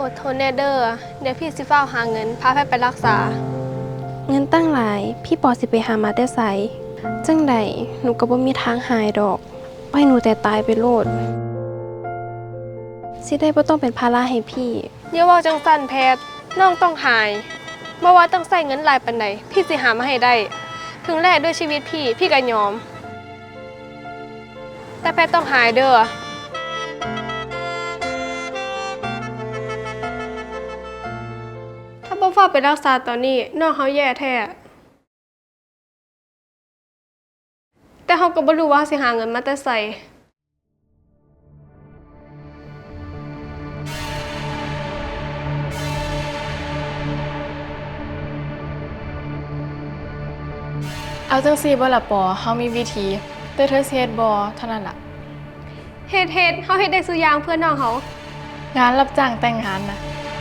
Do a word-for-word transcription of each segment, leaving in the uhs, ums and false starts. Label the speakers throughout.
Speaker 1: อดทนแน่เด้อเดี๋ยวพี่สิฟ้าวหาเงินพาแพทย์ไปรักษา
Speaker 2: เงินตั้งหลายพี่ปอสิไปหามาแต่ไสจังใดหนูก็บ่มีทางหายดอกปล่อยหนูแต่ตายไปโลดสิได้บ่ต้องเป็นภาระให้พี่
Speaker 1: อย่าว่าจังสั่นแพทย์น้องต้องหายบ่ว่าต้องใส่เงินหลายปานใดพี่สิหามาให้ได้ถึงแลกด้วยชีวิตพี่พี่ก็ยอมแต่แพทย์ต้องหายเด้อถ้าบ่ฟ้าวไปรักษาตอนนี้น้องเฮาแย่แท้แต่เฮาก็บ่รู้ว่าสิหาเงินมาแต่ไส
Speaker 3: เอาจังซี่บ่ล่ะปอเฮามีวิธีแต่เธอสิเฮ็ดบ่เท่านั้นล่ะ
Speaker 1: เฮ็ดเฮ็ดเฮาเฮ็ดได้ซุอย่างเพื่อน้องเฮาง
Speaker 3: านรับจ้างแต่งงานนะ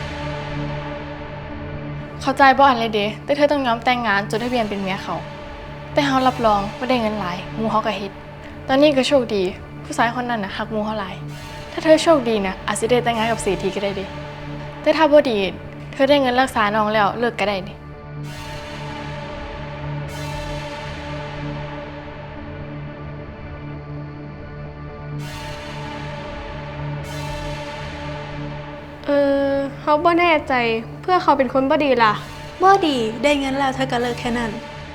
Speaker 3: เข้าใจบ่อันเลยเด้แต่เธอต้องยอมแต่งงานจดทะเบียนเป็นเมียเขาแต่เฮารับรองว่าได้เงินหลายหมู่เฮาก็เฮ็ดตอนนี้ก็โชคดีผู้ชายคนนั้นน่ะฮักหมู่เฮาหลายถ้าเธอโชคดีนะอาจสิได้แต่งงานกับเศรษฐีก็ได้เด้แต่ถ้าบ่ดีเธอได้เงินรักษาน้องแล้วเลิกก็ได้เด้
Speaker 1: เออเฮาบ่แน่ใจเพื่อเขาเป็นคนบ่ดีล่ะ
Speaker 4: บ่ดีได้เงินแล้วเธอก็เลิกแค่นั้น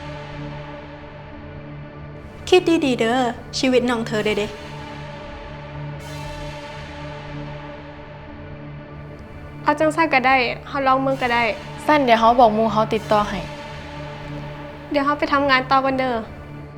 Speaker 4: คิดดีๆเด้อชีวิตน้องเธอเด้เด้
Speaker 1: เอาจังซั่นก็ได้เฮาลองเมืองก็ได้
Speaker 3: สั้นเดี๋ยวเฮาบอกหมู่เฮาติดต่อให้
Speaker 1: เดี๋ยวเฮาไปทำงานต่อกันเด้อ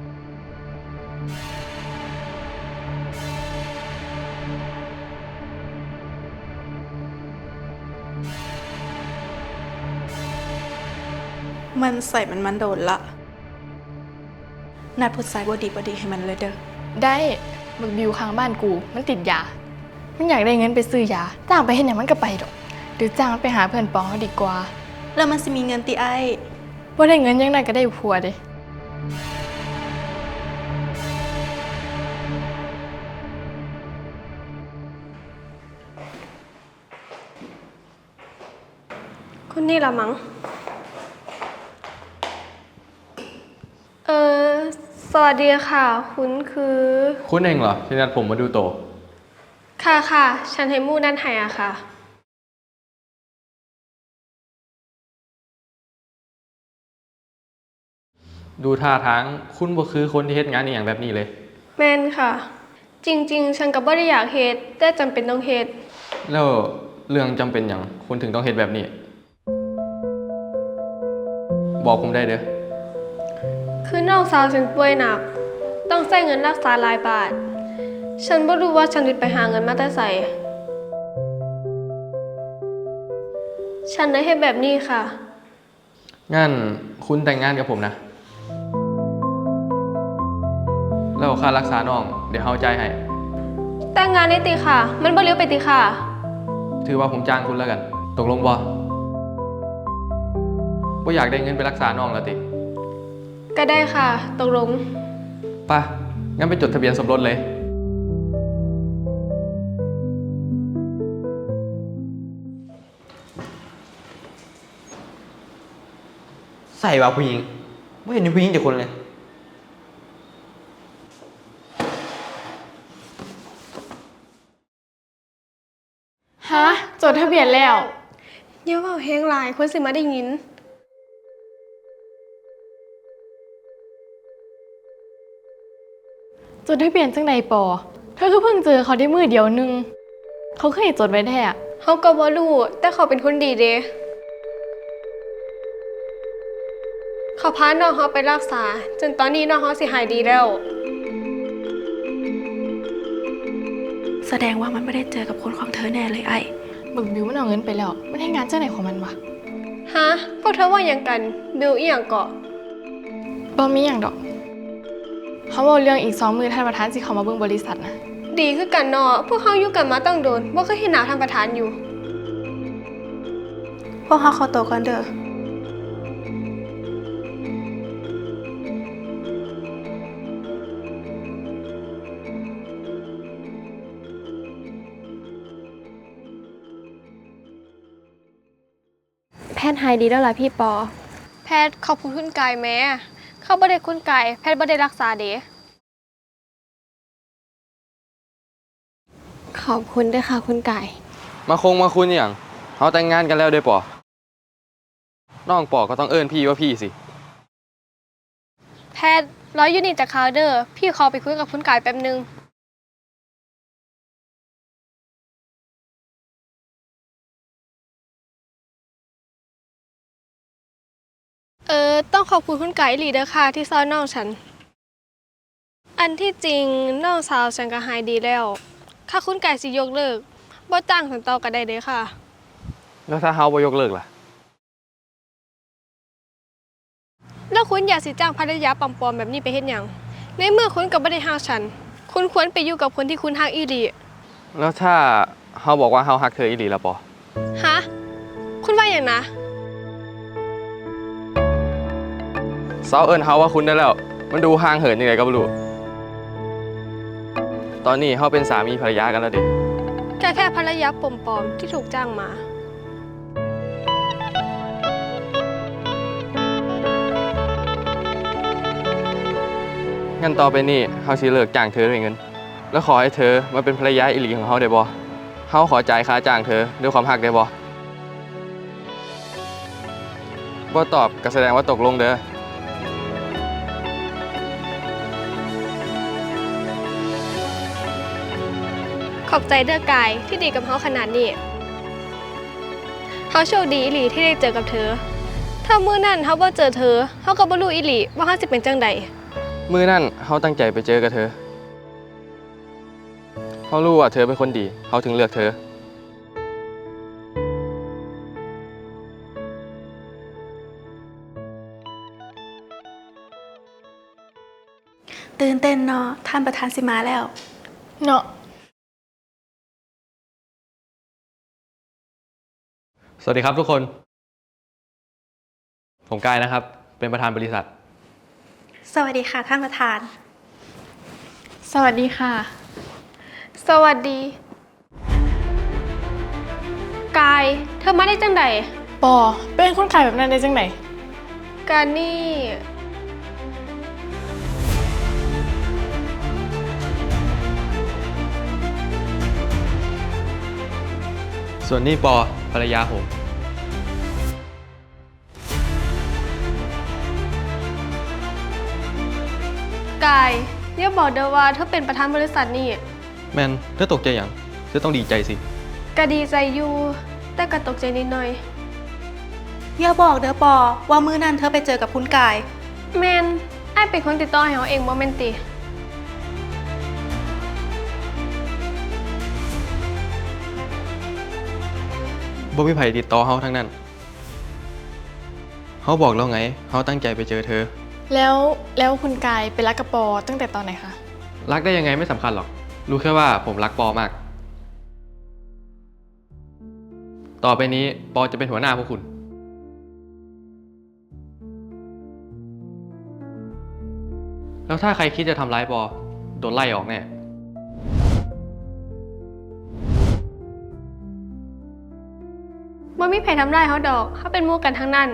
Speaker 4: มันใส่มันมันโดนละนัดผู้ชายบ่ดีบ่ดีให้มันเลยเด้อ
Speaker 3: ได้บักบิวข้างบ้านกูมันติดยามันอยากได้เงินไปซื้อยาจ้างไปเฮ็ดหยังมันก็ไปดอกหรือจ้างมันไปหาเพื่อนปองเขาดีกว่า
Speaker 4: แล้วมันสิมีเงินติไอ้
Speaker 3: บ่ได้เงินยังไงก็ได้ผัวเด้
Speaker 1: คนนี้ล่ะมั้งเออสวัสดีค่ะคุณคือ
Speaker 5: คุณเองเหรอที่นัดผมมาดูโต
Speaker 1: ค่ะค่ะฉันให้มู่นั่นให้อะค่ะ
Speaker 5: ดูท่าทางคุณบ่คือคนที่เฮ็ดงานอหย่างแบบนี้เลย
Speaker 1: แม่นค่ะจริงๆฉันก็บ่ได้อยากเฮ็ดแต่จำเป็นต้องเฮ็ด
Speaker 5: แล้วเรื่องจำเป็นหยังคุณถึงต้องเฮ็ดแบบนี้บอกผมได้เด้อ
Speaker 1: คือน้องสาวฉันป่วยหนักต้องใช้เงินรักษาหลายบาทฉันบ่รู้ว่าฉันสิไปหาเงินมาแต่ไสฉันได้เฮ็ดแบบนี้ค่ะ
Speaker 5: งั้นคุณแต่งงานกับผมนะแล้วค่ารักษาน้องเดี๋ยวเฮาจ่ายให้
Speaker 1: แต่งงานได้ติค่ะมันบ่เลี้ยวไปติค่ะ
Speaker 5: ถือว่าผมจ้างคุณแล้วกันตกลงบ่บ่อยากได้เงินไปรักษาน้องแล้วติ
Speaker 1: ก็ได้ค่ะตกลง
Speaker 5: ไปงั้นไปจดทะเบียนสมรสเลยใส่ว่าผู้หญิงไม่เห็นมีผู้หญิงจากคนเลย
Speaker 3: ฮะจดทะเบียนแล้ว
Speaker 1: อย่าเว้าแฮงหลายคนสิมาได้ยิน
Speaker 3: จดทะเบียนจังใดปอเธอก็เพิ่งเจอเขาได้มือเดียวนึงเขาเคยจดไว้แท้
Speaker 1: เฮาก็บ่รู้แต่เขาเป็นคนดีเด้เขาพาน้องเฮาไปรักษาจนตอนนี้น้องเฮาสิหายดีแล้ว
Speaker 4: แสดงว่ามันไม่ได้เจอกับคนของเธอแน่เลยไอ้
Speaker 3: บึกบิวมันเอาเงินไปแล้วมันให้งานเจ้าไหนของมันวะ
Speaker 1: ฮะพวกเธอว่าหยังกันบิวอีหยังเกาะ
Speaker 3: บ่มีหยังดอกเขาบอกเรื่องอีกสองมือท่านประธานสิเขามาเบิ่งบริษัทนะ
Speaker 1: ดีคือกันเนาะพวกเฮาอยู่กันมาตั้งโดนบ่เคยเห็นหน้าท่านประธานอยู่
Speaker 4: พวกเขาขอตัวก่อนเด้อ
Speaker 2: ทย์หายดีแล้วล่ะพี่ปอ
Speaker 1: แพทย์ขอบคุณคุณกายแม่เขาบ่ได้คุณกายแพทย์บ่ได้รักษาเด้
Speaker 2: ขอบคุณด้วยค่ะคุณไก่
Speaker 6: มาคงมาคุณอย่างเขาแต่งงานกันแล้วเด้อปอน้องปอก็ต้องเอิ้นพี่ว่าพี่สิ
Speaker 1: แพทย์ร้อยยูนิตจากคาวเดอร์พี่ขอไปคุยกับคุณกายแป๊บนึงเออต้องขอบคุณคุณไก่อีหลีเด้อค่ะที่ซอยน้องฉัน อันที่จริงน้องสาวฉันก็หายดีแล้วถ้าคุณไก่สิยกเลิกบ่จ้างฉันต่อก็ได้เด้อค่ะ
Speaker 6: แล้วถ้าเฮาบ่ยกเลิกล่ะ
Speaker 1: แล้วคุณอยากสิจ้างภรรยาปลอมๆแบบนี้ไปเฮ็ดหยังในเมื่อคุณก็บ่ได้ฮักฉัน คุณควรไปอยู่กับคนที่คุณฮักอีหลี
Speaker 6: แล้วถ้าเฮาบอกว่าเฮาฮักเธออีหลีล่ะปอ
Speaker 1: ฮะคุณว่าอย่างนะ
Speaker 6: เซาเอิ้นเฮาว่าคุณได้แล้ว มันดูห่างเหินยังไงก็บ่รู้ตอนนี้เฮาเป็นสามีภรรยากันแล้วเด้
Speaker 1: แค่แค่ภรรยาปลอมๆที่ถูกจ้างมา
Speaker 6: งั้นต่อไปนี้เฮาสิเลิกจ้างเธอด้วยเงิน แล้วขอให้เธอมาเป็นภรรยาอีหลีของเฮาได้บ่เฮาขอจ่ายค่าจ้างเธอด้วยความฮักได้บ่บ่ตอบก็แสดงว่าตกลงเด้อ
Speaker 1: ขอบใจเด้อกายที่ดีกับเขาขนาดนี้เขาโชคดีอีหลีที่ได้เจอกับเธอ ถ้ามื้อนั้นเขาบ่เจอเธอเขาก็บ่รู้อีหลีว่าเขาสิเป็นจังใด
Speaker 6: มื้อนั้นเฮาตั้งใจไปเจอกับเธอเฮารู้ว่าเธอเป็นคนดีเฮาถึงเลือกเธอ
Speaker 4: ตื่นเต้นเนาะท่านประธานสิมาแล้ว
Speaker 3: เนาะ
Speaker 5: สวัสดีครับทุกคน ผมกายนะครับ เป็นประธานบริษัท
Speaker 4: สวัสดีค่ะท่านประธาน
Speaker 3: สวัสดีค่ะ
Speaker 1: สวัสดี กาย เธอมาได้จังใด
Speaker 3: ปอเป็นคนขายแบบนั้นได้จังไหน
Speaker 1: การนี่
Speaker 5: ส่วนนี้ปอภรรยาผม
Speaker 1: กายอย่าบอกเด้อว่าเธอเป็นประธานบริษัทนี่
Speaker 5: แมนเธอตกใจอย่างเธอต้องดีใจสิ
Speaker 1: ก็ดีใจอยู่ แต่ก็ตกใจนิดหน่อย
Speaker 4: อย่าบอกเด้อปอว่ามื้อนั้นเธอไปเจอกับคุณกาย
Speaker 1: แมนไอ้ายเป็นคนติดต่อให้เขาเองบ่แม่นติ
Speaker 5: บ่มีไผติดต่อเฮาทั้งนั้น เฮาบอกแล้วไง เฮาตั้งใจไปเจอเธอ
Speaker 3: แล้วแล้วคุณกายไปรักกับปอตั้งแต่ตอนไหนคะ
Speaker 5: รักได้ยังไงไม่สำคัญหรอก รู้แค่ว่าผมรักปอมาก ต่อไปนี้ปอจะเป็นหัวหน้าพวกคุณ แล้วถ้าใครคิดจะทำร้ายปอ โดนไล่ออกแน่
Speaker 1: บ่มีไผทำร้ายเขาดอกเขาเป็นหมู่กันทั้งนั้น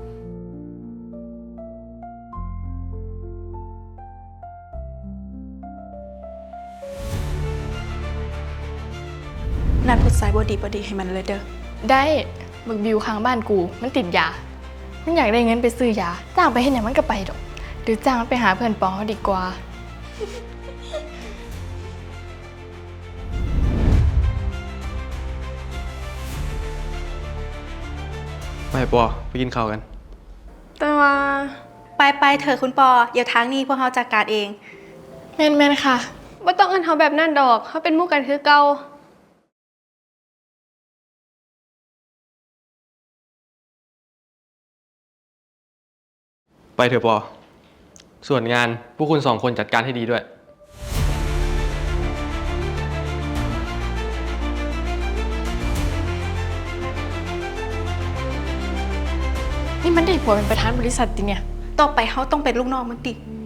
Speaker 4: นัดพุทธสายบดีบดีให้มันเลยเด้อ
Speaker 3: ได้บึกบิวข้างบ้านกู มันติดยา มันอยากได้เงินไปซื้อยา จ้างไปเห็นอย่างมันก็ไปดอก หรือจ้างมันไปหาเพื่อนปอเขาดีกว่า
Speaker 5: ไปปอไปกินข้าวกัน
Speaker 1: แต่ว่า
Speaker 4: ไปไปเถอะคุณปอเดี๋ยวทางนี้พวกเราจัดการเอง
Speaker 3: แม่นแม่นค่ะ
Speaker 1: บ่ต้องเอิ้นเขาแบบนั้นดอกเขาเป็นหมู่กันคือเก่า
Speaker 5: ไปเถอะปอ ส่วนงานพวกคุณสองคนจัดการให้ดีด้วย
Speaker 3: นี่มันได้ผัวเป็นประธานบริษัทติเนี่ย
Speaker 4: ต่อไปเขาต้องเป็นลูกน้องมันติ